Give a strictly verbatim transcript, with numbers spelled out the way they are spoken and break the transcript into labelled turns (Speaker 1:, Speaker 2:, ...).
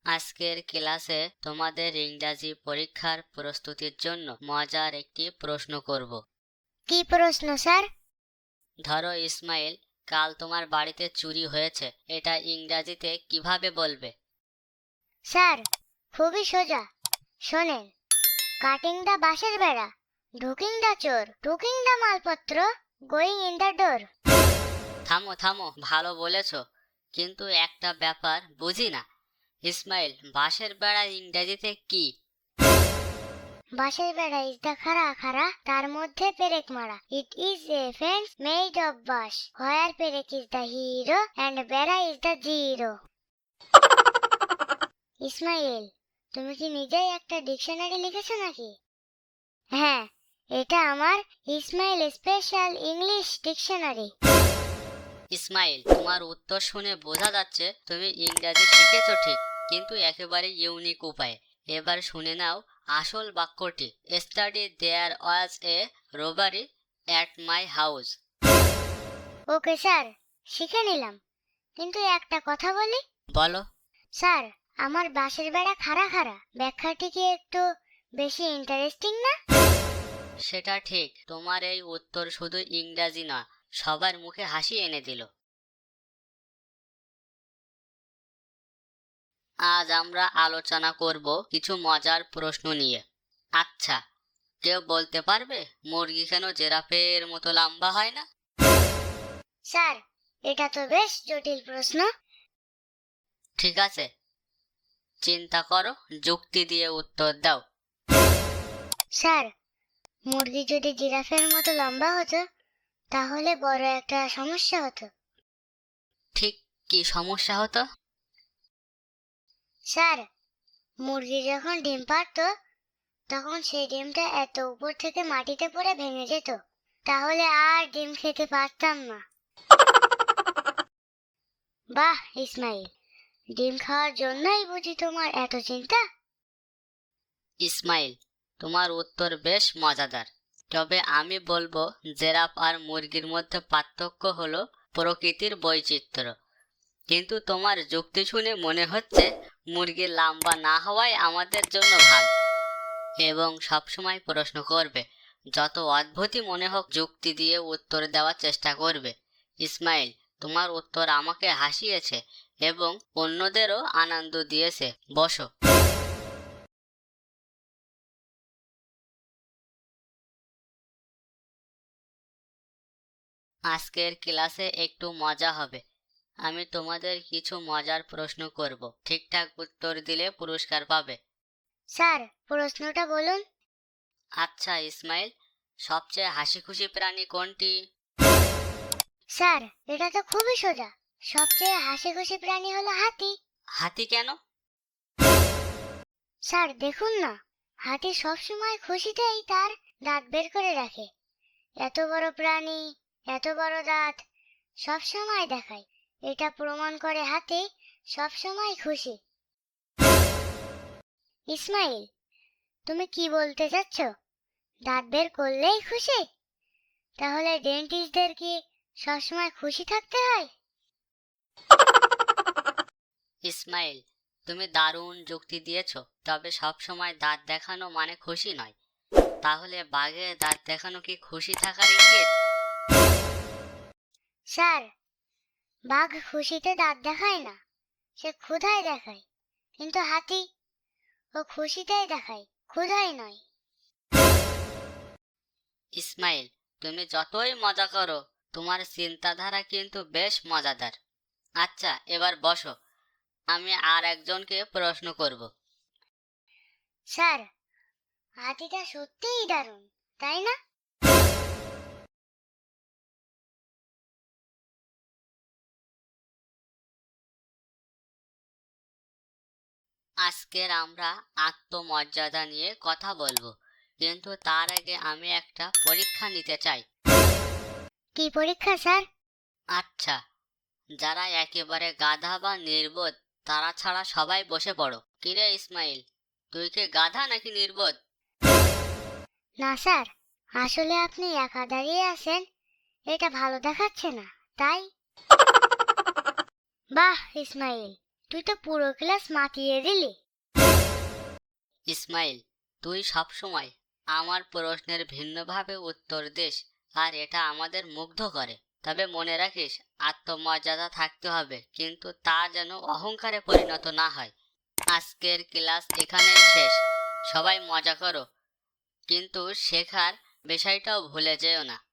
Speaker 1: আজকের ক্লাসে তোমাদের ইংরাজি পরীক্ষার প্রস্তুতির জন্য মজার একটি প্রশ্ন করব।
Speaker 2: কি প্রশ্ন স্যার?
Speaker 1: ধরো ইসমাইল, কাল তোমার বাড়িতে চুরি হয়েছে, এটা ইংরাজিতে কিভাবে বলবে?
Speaker 2: স্যার, খুবই সোজা। শোনেন, কাটিং দা বাঁশের বেড়া, ঢুকিং দা চোর, টুকিং দা মালপত্র, গোয়িং ইন দা ডোর।
Speaker 1: থামো থামো, ভালো বলেছো, কিন্তু একটা ব্যাপার বুঝি না। ইসমাইল, বাঁশের বেড়া ইংরাজিতে কি?
Speaker 2: বাঁশের বেড়া ইজ দা খাড়া খাড়া, তার মধ্যে পেরেক মারা। It is a fence made of বাঁশ, হোয়ার পেরেক ইজ দা হিরো অ্যান্ড বেড়া ইজ দা জিরো। ইসমাইল, তুমি কি নিজেই একটা ডিকশনারি লিখেছো নাকি? হ্যাঁ, এটা আমার Ismail special English dictionary.
Speaker 1: Ismail, তোমার উত্তর শুনে বোঝা যাচ্ছে তুমি ইংরাজি শিখেছো ঠিক, কিন্তু একেবারে ইউনিক উপায়ে। এবার শুনে নাও আসল বাক্যটি। Study there was a robbery at my house.
Speaker 2: Okay sir, শিখে নিলাম, কিন্তু একটা কথা বলি।
Speaker 1: বলো।
Speaker 2: স্যার, আমার বাঁশের বেড়া খাড়া খাড়া ব্যাখ্যাটি কি একটু বেশি ইন্টারেস্টিং না?
Speaker 1: সেটা ঠিক, তোমার এই উত্তর শুধু ইংরাজি না, সবার মুখে হাসি এনে দিল। আজ আমরা আলোচনা করব কিছু মজার প্রশ্ন নিয়ে। আচ্ছা, কেউ বলতে পারবে মুরগি কেন জিরাফের মতো লম্বা হয় না?
Speaker 2: স্যার, এটা তো বেশ জটিল প্রশ্ন।
Speaker 1: ঠিক আছে, চিন্তা করো, যুক্তি দিয়ে উত্তর দাও।
Speaker 2: স্যার, মুরগি যদি জিরাফের মতো লম্বা হতো তাহলে বড় একটা সমস্যা হতো।
Speaker 1: ঠিক, কি সমস্যা হতো?
Speaker 2: স্যার, মুরগি যখন ডিম পারতো তখন সেই ডিমটা এত উপর থেকে মাটিতে পড়ে ভেঙে যেত, তাহলে আর ডিম খেতে পারতাম না। বাহ ইসমাইল, ডিম খাওয়ার জন্যই বুঝি তোমার এত চিন্তা?
Speaker 1: ইসমাইল, তোমার উত্তর বেশ মজাদার, তবে আমি বলবো জেরাফ আর মুরগির মধ্যে পার্থক্য হলো প্রকৃতির বৈচিত্র্য। কিন্তু তোমার যুক্তি শুনে মনে হচ্ছে মুরগির লম্বা না হওয়াই আমাদের জন্য ভালো। এবং সবসময় প্রশ্ন করবে, যত অদ্ভুতই মনে হোক যুক্তি দিয়ে উত্তর দেওয়ার চেষ্টা করবে। ইসমাইল, তোমার উত্তর আমাকে হাসিয়েছে এবং অন্যদেরও আনন্দ দিয়েছে। বসো। আজকের ক্লাসে একটু মজা হবে। আমি তোমাদের কিছু মজার প্রশ্ন করব, ঠিকঠাক উত্তর দিলে পুরস্কার পাবে।
Speaker 2: স্যার, প্রশ্নটা বলুন।
Speaker 1: আচ্ছা ইসমাইল, সবচেয়ে হাসি খুশি প্রাণী কোনটি?
Speaker 2: স্যার, এটা তো খুবই সোজা। সবচেয়ে হাসি খুশি প্রাণী হলো হাতি।
Speaker 1: হাতি কেন?
Speaker 2: স্যার দেখুন না, হাতি সবসময় খুশিতেই তার দাঁত বের করে রাখে। এত বড় প্রাণী, এত বড় দাঁত সবসময় দেখায়। এটা প্রমাণ করে হাতি সবসময় খুশি। ইসমাইল, তুমি কি বলতে চাচ্ছ? দাঁত বের করলেই খুশি? তাহলে ডেন্টিস্টদের কি সবসময় খুশি থাকতে হয়?
Speaker 1: ইসমাইল, তুমি দারুণ যুক্তি দিয়েছো, তবে সব সময় দাঁত দেখানো মানে খুশি নয়। তাহলে বাঘের দাঁত দেখানো কি খুশি থাকার ইঙ্গিত?
Speaker 2: স্যার, বাঘ খুশিতে দাঁত দেখায় না, সে ক্ষুধায় দেখায়। কিন্তু হাতি, ও খুশিতেই দেখায়, ক্ষুধায় নয়।
Speaker 1: ইসমাইল, তুমি যতই মজা করো, তোমার চিন্তাধারা কিন্তু বেশ মজাদার। আচ্ছা, এবার বসো, আমি আর একজনকে প্রশ্ন করব।
Speaker 2: স্যার, হাতিটা সত্যিই দারুণ, তাই না?
Speaker 1: আজকের আমরা আত্মমর্যাদা নিয়ে কথা বলবো, কিন্তু তার আগে আমি একটা পরীক্ষা নিতে চাই।
Speaker 2: কি পরীক্ষা স্যার?
Speaker 1: আচ্ছা, যারা একেবারে গাধা বা নির্বোধ তারা ছাড়া সবাই বসে পড়ো। কিরে ইসমাইল, তুই কি গাধা নাকি নির্বোধ?
Speaker 2: না স্যার, আসলে আপনি একা দাঁড়িয়ে আছেন, এটা ভালো দেখাচ্ছে না, তাই। বাহ ইসমাইল, তুই তো পুরো ক্লাস মাতিয়ে দিলি।
Speaker 1: ইসমাইল, তুই সবসময় আমার প্রশ্নের ভিন্নভাবে উত্তর দিস, আর এটা আমাদের মুগ্ধ করে। তবে মনে রাখিস, আত্মমর্যাদা থাকতে হবে, কিন্তু তা যেন অহংকারে পরিণত না হয়। আজকের ক্লাস এখানেই শেষ। সবাই মজা করো, কিন্তু শেখার বিষয়টাও ভুলে যেও না।